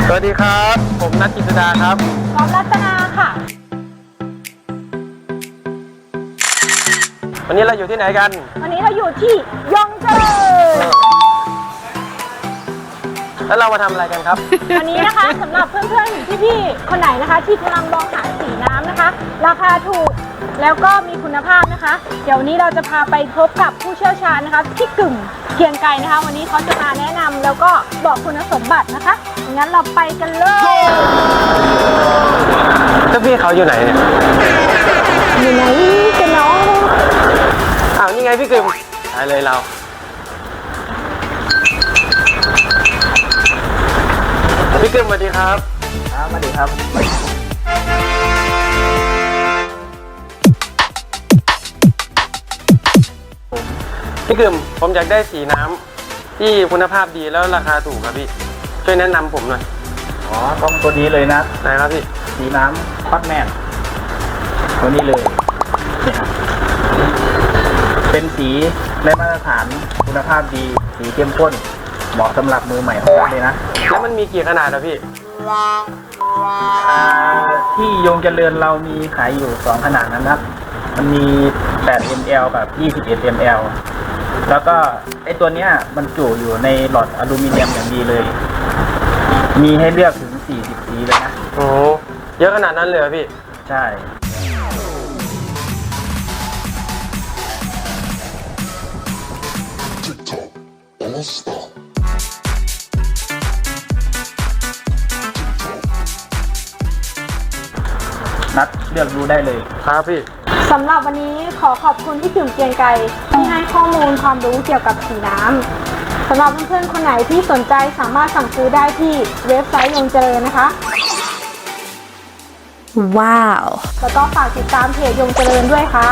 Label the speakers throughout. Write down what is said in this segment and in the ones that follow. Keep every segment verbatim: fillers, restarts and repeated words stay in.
Speaker 1: สวัสดีครับผมนัทกิษดาครับ
Speaker 2: กอล์ฟรัตนาค่ะ
Speaker 1: วันนี้เราอยู่ที่ไหนกัน
Speaker 2: วันนี้เราอยู่ที่ยองเจอ
Speaker 1: แล้วเรามาทำอะไรกันครับ
Speaker 2: วันนี้นะคะสำหรับเพื่อนๆพี่ๆคนไหนนะคะที่กำลังมองหาสีน้ำนะคะราคาถูกแล้วก็มีคุณภาพนะคะเดี๋ยววันนี้เราจะพาไปพบกับผู้เชี่ยวชาญนะคะพี่กึ่งเกียงไกรนะคะวันนี้เขาจะมาแนะนำแล้วก็บอกคุณสมบัตินะคะงั้นเราไปกันเลย
Speaker 1: เจ้าพี่เขาอยู่ไหนเนี่ย
Speaker 2: อยู่ไหนกันน้อง
Speaker 1: อ้าวนี่ไงพี่กึ่งไปเลยเราพี่กึ่งสวัสดีครับ
Speaker 3: ครับสวัสดีครับ
Speaker 1: พี่กึ่งผมอยากได้สีน้ำที่คุณภาพดีแล้วราคาถูกครับพี่ช่วยแนะนำผมหน่อย
Speaker 3: อ๋อต้องตัวนี้เลยนะ
Speaker 1: ไหนครับพี่
Speaker 3: สีน้ำคอตแมนตัวนี้เลยเป็นสีได้มาตรฐานคุณภาพดีสีเข้มข้นเหมาะสำหรับมือใหม่ของเราเลยนะ
Speaker 1: แล้วมันมีกี่ขนาดอะพี่
Speaker 3: ที่โยงเจริญเรามีขายอยู่สองขนาดนะครับมันมีแปด มิลลิลิตร กับยี่สิบเอ็ด มิลลิลิตร แล้วก็ไอตัวเนี้ยมันจุอยู่ในหลอดอลูมิเนียมอย่างดีเลยมีให้เลือกถึงสี่สิบสีเลยนะ
Speaker 1: โอ้เยอะขนาดนั้นเลยเหรอพี่
Speaker 3: ใช่นัดเลือกดูได้เลย
Speaker 1: ครับพี่
Speaker 2: สำหรับวันนี้ขอขอบคุณพี่กึ่งเกียงไกรที่ให้ข้อมูลความรู้เกี่ยวกับสีน้ำสำหรับเพื่อนๆคนไหนที่สนใจสามารถสั่งซื้อได้ที่เว็บไซต์ยงเจริญนะคะว้าวแล้วก็ฝากติดตามเพจยงเจริญด้วยค่ะ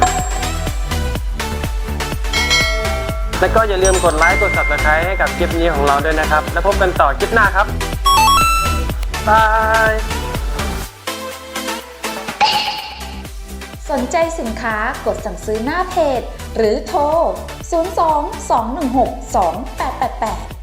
Speaker 1: แล้วก็อย่าลืมกดไลค์กด ซับสไครบ์ ให้กับคลิปนี้ของเราด้วยนะครับแล้วพบกันต่อคลิปหน้าครับบาย
Speaker 4: สนใจสินค้ากดสั่งซื้อหน้าเพจหรือโทร ศูนย์ สอง สอง หนึ่ง หก สอง แปด แปด แปด